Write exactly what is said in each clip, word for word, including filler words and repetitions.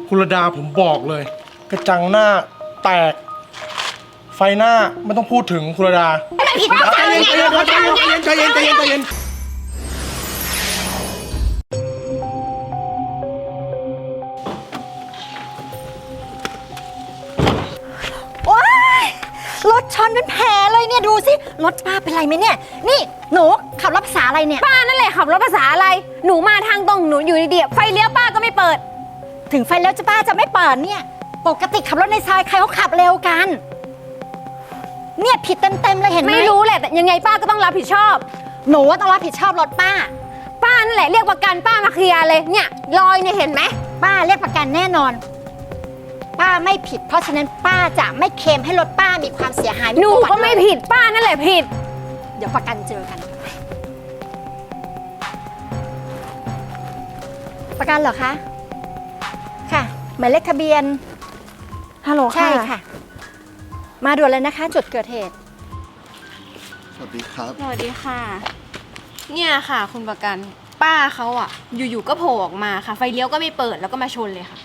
คุณระดาผมบอกเลยกระจังหน้าแตกไฟหน้าไม่ต้องพูดถึงคุณระดาใจเย็นใจเย็นใจเย็นใจเย็นใจเย็นใจเย็นใจเย็นโอ๊ยรถชนเป็นแผลเลยเนี่ยดูสิรถป้าเป็นไรไหมเนี่ยนี่หนูขับรถภาษาอะไรเนี่ยป้านั่นแหละขับรถภาษาอะไรหนูมาทางตรงหนูอยู่ดีๆไฟเลี้ยวป้าก็ไม่เปิดถึงไฟแล้วจะป้าจะไม่เปิดเนี่ยปกติขับรถในซอยใครเขาขับเร็วกันเนี่ยผิดเต็มๆเลยเห็นไหมไม่รู้แหละแต่ยังไงป้าก็ต้องรับผิดชอบหนูว่าต้องรับผิดชอบรถป้าป้านั่นแหละเรียกประกันป้ามาเคลียร์เลยเนี่ยรอยเนี่ยเห็นไหมป้าเรียกประกันแน่นอนป้าไม่ผิดเพราะฉะนั้นป้าจะไม่เคลมให้รถป้ามีความเสียหายหนูก็ไม่ผิดป้านั่นแหละผิดเดี๋ยวประกันเจอกันประกันเหรอคะค่ะหมายเลขทะเบียนฮัลโหลใช่ค่ะมาด่วนเลยนะคะจุดเกิดเหตุสวัสดีครับสวัสดีค่ะเนี่ยค่ะคุณประกันป้าเขาอ่ะอยู่ๆก็โผล่ออกมาค่ะไฟเลี้ยวก็ไม่เปิดแล้วก็มาชนเลยค่ะ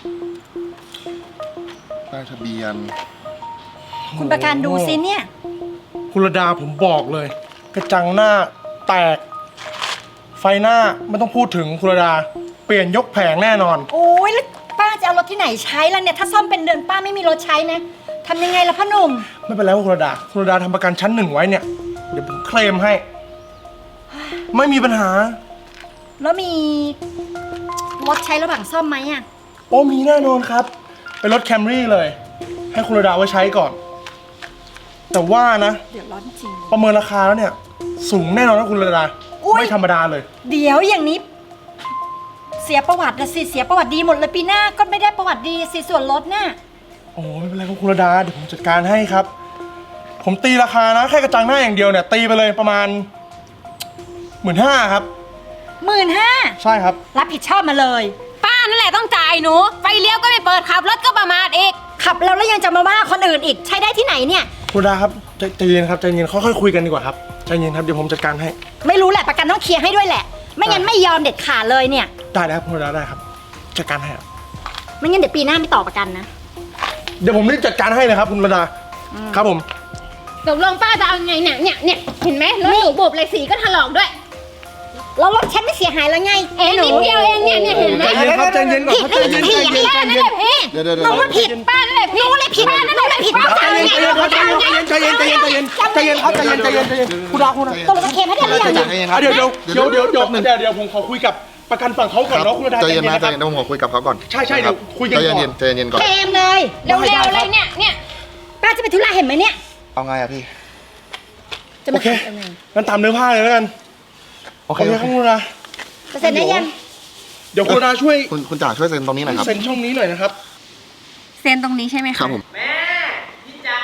ป้ายทะเบียนคุณประกันดูสิเนี่ยคุณระดาผมบอกเลยกระจังหน้าแตกไฟหน้าไม่ต้องพูดถึงคุณระดาเปลี่ยนยกแผงแน่นอนโอ้ยแล้วป้าจะเอารถที่ไหนใช้ล่ะเนี่ยถ้าซ่อมเป็นเดือนป้าไม่มีรถใช้นะทำยังไงล่ะพ่อหนุ่มไม่เป็นไรคุณระดาคุณระดาทำประกันชั้นหนึ่งไว้เนี่ยเดี๋ยวผมเคลมให้ไม่มีปัญหาแล้วมีรถใช้ระหว่างซ่อมไหมอ่ะโอ้มีแน่นอนครับเป็นรถแคมรี่เลยให้คุณระดาไว้ใช้ก่อนแต่ว่านะเดี๋ยวร้อนจริงประเมินราคาแล้วเนี่ยสูงแน่นอนนะคุณระดาไม่ธรรมดาเลยเดี๋ยวอย่างนี้เสียประวัตินะสิเสียประวัติดีหมดเลยปีหน้าก็ไม่ได้ประวัติดีสิส่วนลดน่ะโอ้ไม่เป็นไรครับคุณระดาเดี๋ยวผมจัดการให้ครับผมตีราคานะแค่กระจังหน้าอย่างเดียวเนี่ยตีไปเลยประมาณหมื่นห้าครับหมื่นห้าใช่ครับรับผิดชอบมาเลยป้านั่นแหละต้องจ่ายหนูไฟเลี้ยวก็ไม่เปิดขับรถก็ประมาทอีกขับแล้วแล้วยังจะมาว่าคนอื่นอีกใช้ได้ที่ไหนเนี่ยคุณระดาครับใจเย็นครับใจเย็นค่อยๆคุยกันดีกว่าครับใจเย็นครับเดี๋ยวผมจัดการให้ไม่รู้แหละประกันต้องเคลียร์ให้ด้วยแหละไม่งั้นไม่ยอมเด็ดขาดเลยเนี่ยได้แล้วคุณระดาได้ครับจัดการให้ไม่งั้นเดี๋ยวปีหน้าไม่ต่อประกันนะเดี๋ยวผมรีบจัดการให้เลยครับคุณระดาครับผมตกลงป้าจะเอาไงเนี่ยเนี่ยเนี่ยเห็นไหมรถหนูบุบเลยสีก็ถลอกด้วยแล้วรถฉันไม่เสียหายแล้วไงเอ็นนิดเดียวเองเนี่ยเนี่ยเห็นไหมใจเย็นครับใจเย็นก่อนผิดไม่ผิดป้านั่นแหละพี่เดี๋ยวเดี๋ยวน้องว่าผิดป้านั่นแหละพี่น้องเลยผิดป้านั่นแหละผิดใจเย็นใจเย็นใจเย็นใจเย็นใจเย็นใจเย็นใจเย็นครับใจเย็นใจเย็นใจเย็นคุณระดาคุณระดาตกลงจะเคลมให้ได้หรือยังเดี๋ยวเดี๋ยวเดี๋ยวเดี๋ยวเดี๋ยวเดี๋ยวเดี๋ยวผมขอคุยกับประกันฝั่งเขาก่อนเนาะคุณระดาใจเย็นนะใจเย็นนะผมขอคุยกับเขาก่อนใช่ใช่เดี๋ยวคุยกันก่อนใจเย็นใจเย็นก่อนเคลมเลยเร็วๆเลยเนี่ยเนี่ยป้าจะไปธุระเห็นไหมเนี่ยเอาไงอะพี่จะมาโอเคงั้นตามเนื้อผ้าเลยแล้วกันโอเคครับคุณระดาเซ็นได้ยังเดี๋ยวคุณระดาช่วยคุณคุณจ๋าช่วยเซ็นตรงนี้หน่อยครับเซ็นช่องนี้หน่อยนะครับเซ็นตรงนี้ใช่ไหมคะครับผมแม่พี่จ๋า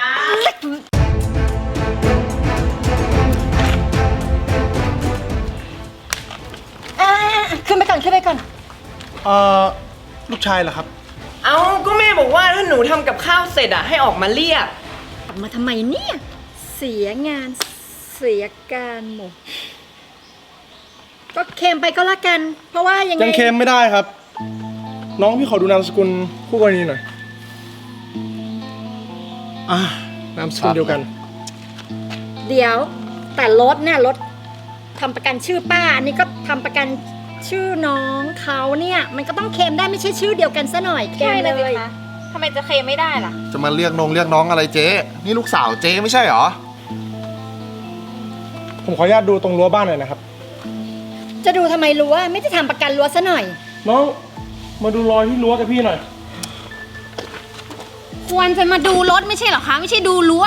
ขึ้นไปก่อนขึ้นไปก่อนเอ่อลูกชายเหรอครับเอาก็แม่บอกว่าถ้าหนูทำกับข้าวเสร็จอะให้ออกมาเรียกออกมาทำไมเนี่ยเสียงานเสียการหมดก็เคลมไปก็แล้วกันเพราะว่ายังไงยังเคลมไม่ได้ครับน้องพี่ขอดูนามสกุลคู่กรณีหน่อยอ่านามสกุลเดียวกันเดี๋ยวแต่รถเนี่ยรถทำประกันชื่อป้าอันนี้ก็ทำประกันชื่อน้องเขาเนี่ยมันก็ต้องเคลมได้ไม่ใช่ชื่อเดียวกันซะหน่อยเคลมเลยทำไมจะเคลมไม่ได้ล่ะจะมาเรียกน้องเรียกน้องอะไรเจ๊นี่ลูกสาวเจ๊ไม่ใช่เหรอผมขออนุญาตดูตรงรั้วบ้านหน่อยนะครับจะดูทำไมรั้วไม่ได้ทำประกันรั้วซะหน่อยน้องมาดูรอยที่รั้วกับพี่หน่อยควรจะมาดูรถไม่ใช่เหรอคะไม่ใช่ดูรั้ว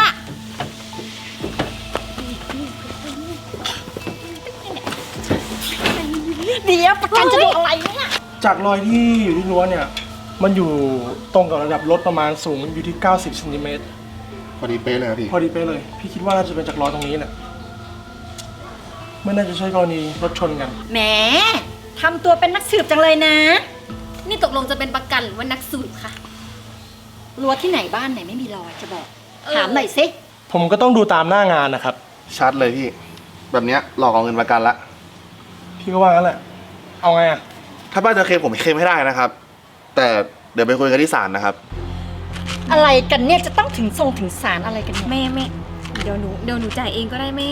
เดี๋ยวประกันจะดูอะไรเนี่ยจากรอยที่อยู่ที่รั้วเนี่ยมันอยู่ตรงกับระดับรถประมาณสูงอยู่ที่เก้าสิบเซนติเมตรพอดีเป๊ะเลยพี่พอดีเป๊ะเลยพี่คิดว่าน่าจะเป็นจากรอยตรงนี้แหละไม่น่าจะใช่กรณีรถชนกันแหมทำตัวเป็นนักสืบจังเลยนะนี่ตกลงจะเป็นประกันหรือว่านักสืบคะรั้วที่ไหนบ้านไหนไม่มีรอยจะบอกถามหน่อยสิผมก็ต้องดูตามหน้างานนะครับชัดเลยพี่แบบเนี้ยหลอกเอาเงินประกันละพี่ก็ว่างั้นแหละเอาไงอะถ้าป้าจะเคลมผมเคลมให้ได้นะครับแต่เดี๋ยวไปคุยกันที่ศาลนะครับอะไรกันเนี่ยจะต้องถึงทรงถึงศาลอะไรกันเนี่ยแม่แม่เดี๋ยวหนูเดี๋ยวหนูจ่ายเองก็ได้แม่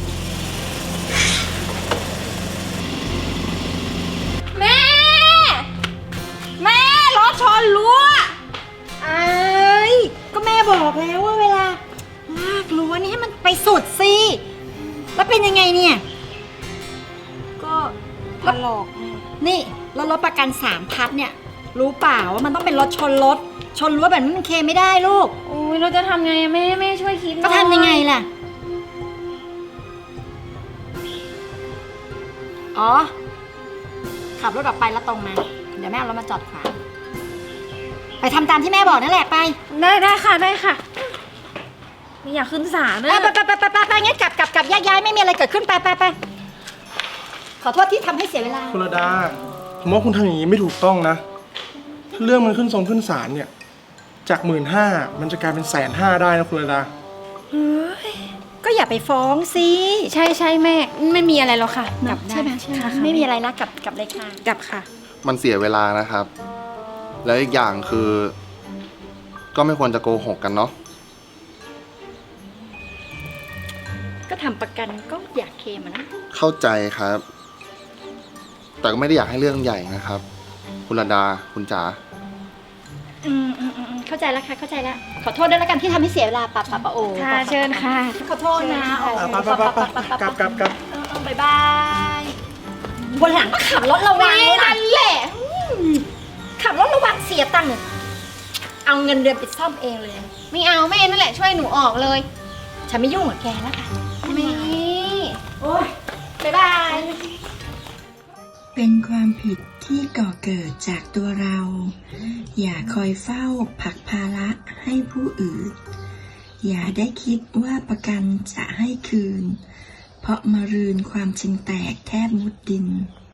แม่ แม่รถชนรั้วไอ้ยก็แม่บอกแล้วว่าเวลาลากรั้วนี่ให้มันไปสุดสิแล้วเป็นยังไงเนี่ยก็ถลอกแม่นี่แล้วรถประกันสามพัดเนี่ย รู้เปล่าว่ามันต้องเป็นรถชนรถชนรั้วแบบนี้มันเคลมไม่ได้ลูกโอ้ยเราจะทำไงอะแม่แม่ช่วยคิดหน่ก็อยทำยังไงล่ะ อ๋อ ขับรถออกไปแล้วตรงมา เดี๋ยวแม่เอารถมาจอดขวางไปทำตามที่แม่บอกนั่นแหละไปได้ได้ค่ะได้ค่ะ ไม่อยากขึ้นศาลเออนะไปไปไปไปไปไปงั้นกลับกลับกลับแยกย้ายไม่มีอะไรเกิดขึ้นไปไปไปขอโทษที่ทำให้เสียเวลาคุณระดา ผมว่าคุณทำอย่างนี้ไม่ถูกต้องนะ ถ้าเรื่องมันขึ้นทรงขึ้นศาลเนี่ย จากหมื่นห้ามันจะกลายเป็นแสนห้าได้นะคุณระดาก็อย่าไปฟ้องสิใช่ใช่แม่ไม่มีอะไรหรอกค่ะกลับได้ใช่ไหมใช่ไหมค่ะไม่มีอะไรนะกลับกลับเลยค่ะกลับค่ะมันเสียเวลานะครับ แล้วอีกอย่างคือ ก็ไม่ควรจะโกหกกันเนาะก็ทำประกันก็อยากเคลมอะนะเข้าใจครับ แต่ก็ไม่ได้อยากให้เรื่องใหญ่นะครับ คุณระดา คุณจ๋าอืมอืมอืมอืมเข้าใจแล้วค่ะเข้าใจแล้วขอโทษด้วยแล้วกันที่ทำให้เสียเวลาปะปะปะโอค่ะเชิญค่ะขอโทษนะเชิญค่ะโอ้ไปไปไปไปกลับกลับกลับเออเออบายบายวันหลังก็ขับรถระวังนั่นแหละอืมขับรถระวังเสียตังค์เอาเงินเดือนไปซ่อมเองเลยไม่เอาแม่นั่นแหละช่วยหนูออกเลยฉันไม่ยุ่งกับแกแล้วค่ะแม่โอ้ยบายบายเป็นความผิดที่ก่อเกิดจากตัวเรา อย่าคอยเฝ้าผลักภาระให้ผู้อื่น อย่าได้คิดว่าประกันจะให้คืน เพราะมารืนความจริงแตกแทบมุดดิน